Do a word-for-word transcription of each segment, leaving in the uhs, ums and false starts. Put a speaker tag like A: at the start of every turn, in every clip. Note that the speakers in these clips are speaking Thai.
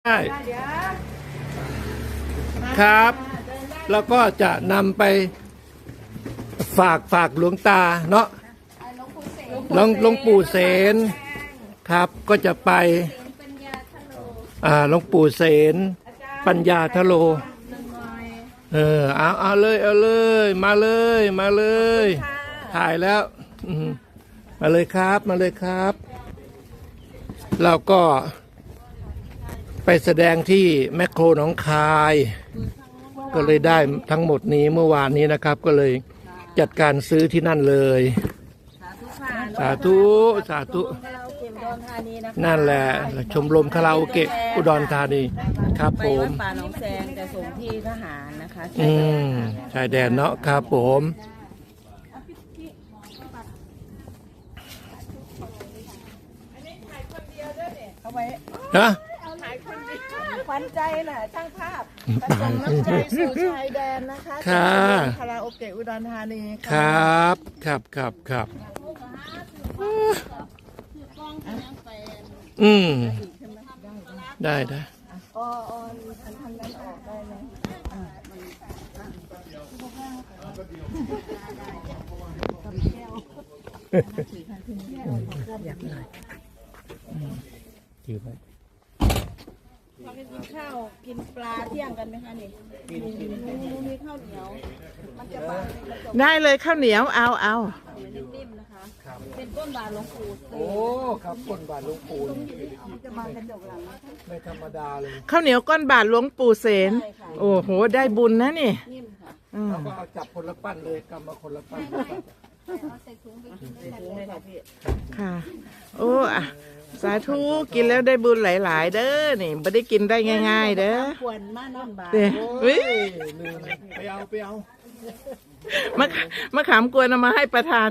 A: ได้ครับแล้วก็จะนำไปฝากฝากหลวงตาเนาะหลวงหลวงปู่เสนครับก็จะไปอ่าหลวงปู่เสนปัญญาทโลเออเอาเอาเลยเอาเลยมาเลยมาเลยถ่ายแล้วมาเลยครับมาเลยครับเราก็ไปแสดงที่แมคโครหนองคายก็เลยได้ทั้งหมดนี้เมื่อวานนี้นะครับก็เลยจัดการซื้อที่นั่นเลยสาธุสาธุนั่นแหละชมรมคาราโอเกะอุดรธานีครับผม
B: ป่าหนองแซงจะส่งที่ทหารนะคะ
A: อืมชายแดนเนาะครับผมนะ
B: ขวัญใจน่ะช่างภาพประจำน้ำใจสู่ชายแดนนะคะ
A: ค่ะ
B: คาราโอเกะอุดรธานี
A: ครับครับครับครับอืมได้ได้
B: อ๋ออ๋อทำนั้นออกได้ไหม
A: อยากหน่อยถือไป
B: เราไปกินข้าวกินปลาเที่ยงกันไหมคะนี่มีข้าวเหนียวมันจะบาง
C: ได้เลยข้าวเหนียวเอาเอา
B: นิ่มๆนะคะเป็นก้นบาทหลวงปู่
A: โอ้ครับก้นบาทหลวงปู่
B: จะมากระจกหลัง
A: ไม่ธรรมดาเลย
C: ข้าวเหนียวก้อนบาทหลวงปู่เสนโอ้โหได้บุญนะนี่
B: นิ่มค่ะ
A: เราก็เอาจับคนละปั้นเลยกำมาคนละปั้น
C: ค่ะโอ้อะสาธุกินแล้วได้บุญหลายๆเด้อนี่ไม่ได้กินได้ง่ายๆเด้อ
B: ควรมานอนบาท
C: เด้อ
A: ไปเอาไปเอา
C: มะมะขามกวนเอามาให้ประธาน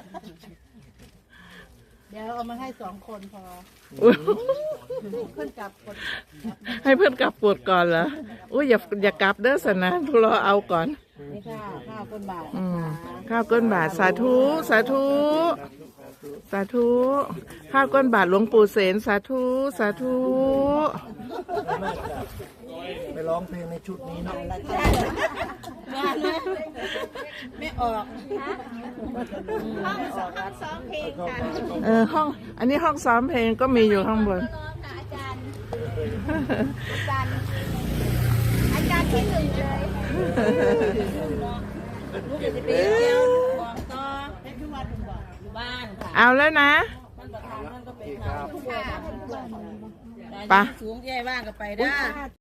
B: เดี๋ยวเอามาให้สองคนพอเพื่อนกลับคน
C: ให้เพื่อนกลับปวดก่อนเหรออุ้ยอย่าอย่ากลับเด้อสนะรอเอาก่อน
B: นี่ค่ะข้าวก้นบาท
C: ข้าวก้นบาทสาธุสาธุสาธุข้าวก้นบาทหลวงปู่เสนสาธุสาธุ
A: ไปร้องเพลงในชุดนี้เนาะ
B: ไม่ออก
D: ห้องซ้อมซ้อมเพลงค่ะ
C: เออห้องอันนี้ห้องซ้อมเพลงก็มีอยู่ข้างบน
D: อาจารย์อาจารย์อาจารย์ที่หนึ่งเลย
B: ลูกจะไปเที่ยวบอกต่อให้ทุกวันบอกอยู่บ้านค่ะ
C: เอาแล้วนะ
B: มันประธานมันก็ไปทำ
C: ไป
B: สูงใหญ่บ้างก็ไปได้